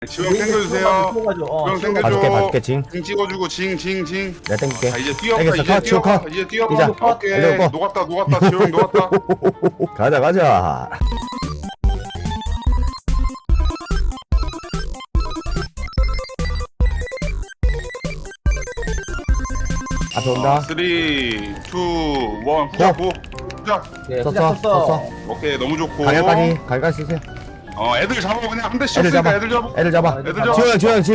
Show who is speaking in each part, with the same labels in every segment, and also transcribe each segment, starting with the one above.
Speaker 1: 지금 땡겨주세요. 지금 땡겨줘.
Speaker 2: 봐줄게 징.
Speaker 1: 징 찍어주고 징.
Speaker 2: 내가 땡길게.
Speaker 1: 자 이제 뛰어봐.
Speaker 2: 땡겼어.
Speaker 1: 이제
Speaker 2: 컷, 지호
Speaker 1: 뛰어봐.
Speaker 2: 컷.
Speaker 1: 이제 뛰어봐.
Speaker 2: 이자.
Speaker 1: 오케이.
Speaker 2: 내려오고.
Speaker 1: 녹았다. 지호 형 녹았다.
Speaker 2: 가자. 앞에 온다.
Speaker 1: 3, 2, 1. 후자 고. 후자.
Speaker 2: 썼어.
Speaker 1: 오케이 너무 좋고.
Speaker 2: 가격까지 쓰세요.
Speaker 1: 애들 잡아 그냥 한 대씩
Speaker 2: 애들
Speaker 1: 쳤으니까
Speaker 2: 잡아.
Speaker 1: 애들 잡아.
Speaker 2: 애들 잡아.
Speaker 1: 애들 잡아.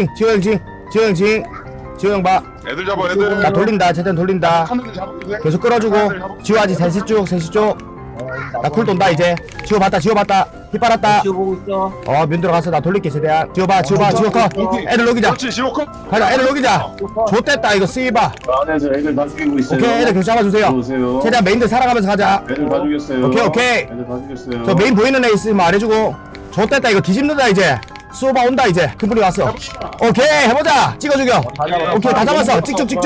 Speaker 2: 지호 형 봐.
Speaker 1: 애들 잡아 애들.
Speaker 2: 나 돌린다. 최대한 돌린다.
Speaker 1: 하늘을 잡아주세요.
Speaker 2: 계속 끌어주고. 지호 아직 3시 쪽. 나 쿨 돈다 이제. 지호 봤다. 힙 빨았다.
Speaker 3: 지호 보고 있어.
Speaker 2: 면 들어가서 나 돌릴게 최대한. 지호 컷. 애들 녹이자.
Speaker 1: 그렇지 지호 컷.
Speaker 2: 가자. 애들 녹이자. 좋댔다 이거 쓰이봐.
Speaker 4: 안에서 애들 다 죽이고 있어요.
Speaker 2: 오케이 애들 계속 잡아주세요.
Speaker 4: 들어오세요.
Speaker 2: 최대한 메인들 살아가면서 가자.
Speaker 4: 애들 다 죽였어요.
Speaker 2: 오케이.
Speaker 4: 애들 다 죽였어요.
Speaker 2: 저 메인 보이는 애 있으면 말해주고. 좋댔다 이거 뒤집는다 이제. 수오바 온다 이제. 큰 분이 왔어. 오케이 해보자. 찍어 죽여. 오케이 다 잡았어.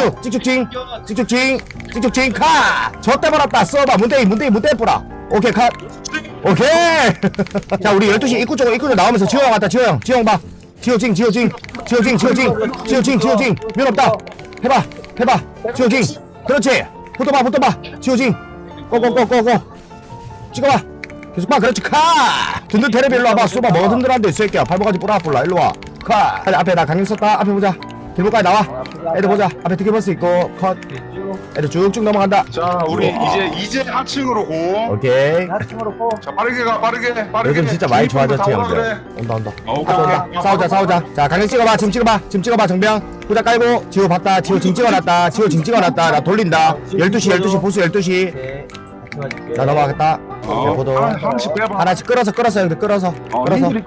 Speaker 2: 찍죽 카. 저때 버렸다. 수오바 문대이 뿌라. 오케이 컷. 오케이. 자 우리 12시 입구 쪽으로 나오면서 지호 형 왔다. 지호 형 봐. 지호 징. 면 없다. 해봐. 지호 징. 그렇지. 붙어봐. 지호 징. 고고고고고. 찍어봐. 계속 봐. 그렇지. 카. 든든 테레비 일로 와봐. 쏘봐. 뭐가 든든한데 이 새끼야. 발목까지 뿌라 일로 와. 카. 앞에 나 강력 썼다. 앞에 보자. 길목까지 나와. 애들 보자. 앞에 티켓버스 있고 컷. 애들 쭉쭉 넘어간다.
Speaker 1: 자 우리 이제 하층으로 고.
Speaker 2: 오케이.
Speaker 3: 하층으로 고.
Speaker 1: 자 빠르게 가.
Speaker 2: 요즘 진짜 많이 좋아졌지
Speaker 1: 다 오라
Speaker 2: 형들.
Speaker 1: 그래.
Speaker 2: 온다.
Speaker 1: 오케이.
Speaker 2: 싸우자. 자 강력 찍어봐. 지금 찍어봐 정병. 후자 깔고 지호 봤다. 지호 징 찍어놨다. 나 돌린다. 12시 보수 12시.
Speaker 3: 네. 같이 봐줄게.
Speaker 2: 자 넘어가겠다. 보도
Speaker 1: 하나씩 빼봐.
Speaker 2: 하나씩 끌어서 형들 끌어서
Speaker 1: 핸들이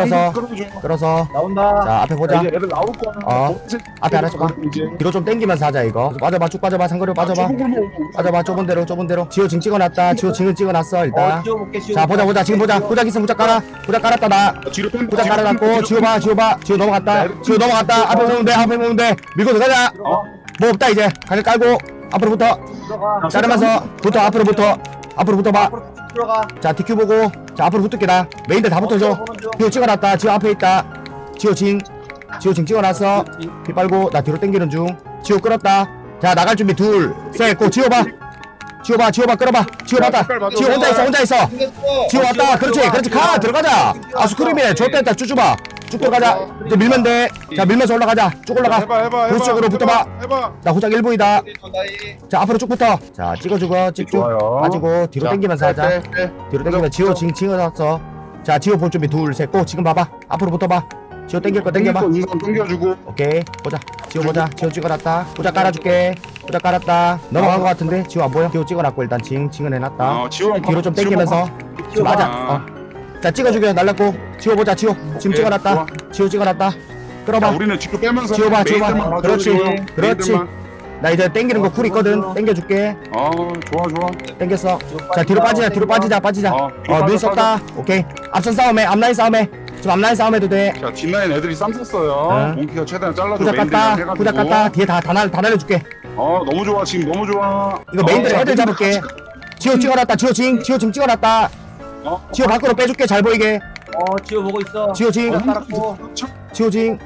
Speaker 1: 끌어줘.
Speaker 3: 나온다.
Speaker 2: 자 앞에 보자.
Speaker 1: 이제 애들 나올 거야.
Speaker 2: 앞에 하나씩 봐. 뒤로 좀 당기면서 하자 이거. 쭉 빠져봐. 상거리 빠져봐. 좁은 대로. 지호 징 찍어놨다. 지호 징은 찍어놨어 일단.
Speaker 3: 지호 볼게.
Speaker 2: 자 보자 지금 보자. 후자 있으면 후자 깔아. 후자 깔았다 나.
Speaker 1: 뒤로 뺀
Speaker 2: 후자 깔아놨고 지호 봐. 지호 넘어갔다. 앞에 보면 돼. 밀고 들어가자. 뭐 없다 이제. 가게 깔고 앞으로 붙어.
Speaker 3: 들어가.
Speaker 2: 자르면서 붙어. 앞으로 붙어 봐.
Speaker 3: 앞으로 들어가.
Speaker 2: 자 DQ 보고. 자 앞으로 붙을게 나. 메인들 다 붙어줘. 지호 찍어놨다. 지호 앞에 있다. 지호 징 찍어놨어. 피 빨고 나 뒤로 당기는 중. 지호 끌었다. 자 나갈 준비 둘 셋 고. 지호 봐 끌어봐. 지호 봤다. 지호 혼자 있어. 지호 왔다. 그렇지 가 들어가자. 아수크림이네. 좋됐다. 쭉 들어가자. 이제 밀면 돼. 자 밀면서 올라가자. 쭉 올라가.
Speaker 1: 해봐.
Speaker 2: 브루스 쪽으로 붙어봐.
Speaker 1: 해봐.
Speaker 2: 나 후작 1부이다. 자 앞으로 쭉 붙어. 자 찍어주고 찍쭉
Speaker 1: 좋아요.
Speaker 2: 빠지고 뒤로
Speaker 1: 자,
Speaker 2: 당기면서 하자.
Speaker 1: 빼.
Speaker 2: 뒤로 당기면 지호 징을 왔어. 자 지호 볼 준비 둘 셋 고. 지금 봐봐. 앞으로 붙어봐. 지호 당길 거 당겨봐.
Speaker 1: 우선 당겨주고.
Speaker 2: 오케이 보자. 지호 보자. 지호 찍어놨다. 후작 깔아줄게. 후작 깔았다. 넘어간 거 같은데 지호 안 보여? 지호 찍어놨고 일단 징은 해놨다.
Speaker 1: 지호 형
Speaker 2: 뒤로 좀 당기면서 맞아. 자 찍어주게 날랐고. 지호 보자. 지호 지금
Speaker 1: 오케이,
Speaker 2: 찍어놨다.
Speaker 1: 좋아.
Speaker 2: 지호 찍어놨다.
Speaker 1: 자,
Speaker 2: 끌어봐.
Speaker 1: 우리는 뒤로 빼면서
Speaker 2: 지호 봐.
Speaker 1: 메인들만 봐줘,
Speaker 2: 그렇지.
Speaker 1: 지호 형.
Speaker 2: 그렇지.
Speaker 1: 메인들만.
Speaker 2: 나 이제 당기는 거 쿨 있거든. 당겨줄게.
Speaker 1: 좋아.
Speaker 2: 당겼어. 자 뒤로 빠지자. 눈 썼다. 오케이. 앞선 싸움해. 앞라인 싸움해. 지금 앞라인 싸움해도 돼.
Speaker 1: 자 뒷라인 애들이 쌈 썼어요.
Speaker 2: 응.
Speaker 1: 몽키가 최대한 잘라줘.
Speaker 2: 후작 깠다. 뒤에 다 날려줄게.
Speaker 1: 너무 좋아 지금 너무 좋아.
Speaker 2: 이거 메인들 애들 잡을게. 지호 찍어놨다. 지호 지금 찍어놨다. 지호 밖으로 빼줄게. 잘 보이게.
Speaker 3: 지호 보고 있어.
Speaker 2: 지호 징.
Speaker 3: 따랐고.
Speaker 2: 지호 징.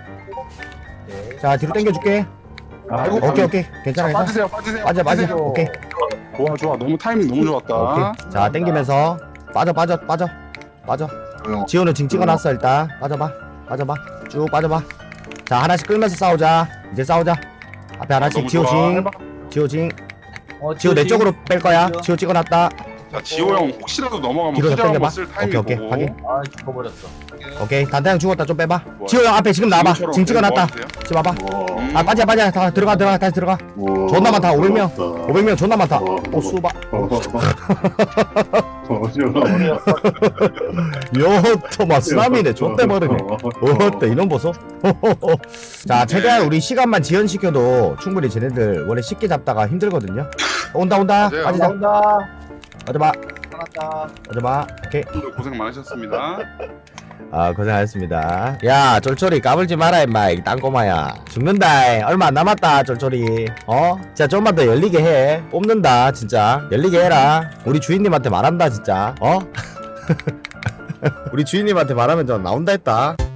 Speaker 2: 자 뒤로 당겨줄게. 오케이. 괜찮아.
Speaker 1: 빠지세요.
Speaker 2: 빠져. 오케이.
Speaker 1: 좋아. 너무 타이밍 너무 좋았다.
Speaker 2: 오케이. 자 당기면서 빠져. 지호는 징 찍어놨어 일단. 빠져봐. 쭉 빠져봐. 자 하나씩 끌면서 싸우자. 이제 싸우자. 앞에 하나씩
Speaker 1: 너무
Speaker 2: 지호
Speaker 1: 좋아.
Speaker 2: 징. 지호 내 쪽으로 뺄 거야. 지호 찍어놨다.
Speaker 1: 자 지호 형 혹시라도 넘어가면
Speaker 2: 뒤로 더
Speaker 1: 후자 한번
Speaker 2: 당겨봐.
Speaker 1: 쓸 타이밍
Speaker 2: 오케이.
Speaker 1: 보고.
Speaker 2: 확인.
Speaker 3: 죽어버렸어.
Speaker 2: 오케이. 단타형 죽었다. 좀 빼봐. 지호 형 앞에 지금 나와봐. 징 찍어놨다. 지금 봐봐. 빠져. 다 들어가. 다시 들어가. 존나 많다. 500명 존나 많다. 오 수바. 요토마 쓰나미네. 좆대 버리네. 어때 이놈 보소. 자 최대한 우리 시간만 지연시켜도 충분히 쟤네들 원래 쉽게 잡다가 힘들거든요. 온다.
Speaker 1: 맞아요.
Speaker 2: 빠지자.
Speaker 3: 나온다.
Speaker 2: 빠져봐. 오케이.
Speaker 1: 오늘 고생 많으셨습니다.
Speaker 2: 고생하셨습니다. 야 쫄쫄이 까불지 마라 임마. 이 땅꼬마야 죽는다. 얼마 안 남았다 쫄쫄이. 진짜 좀만 더 열리게 해. 뽑는다 진짜. 열리게 해라. 우리 주인님한테 말한다 진짜. 우리 주인님한테 말하면 저 나온다 했다.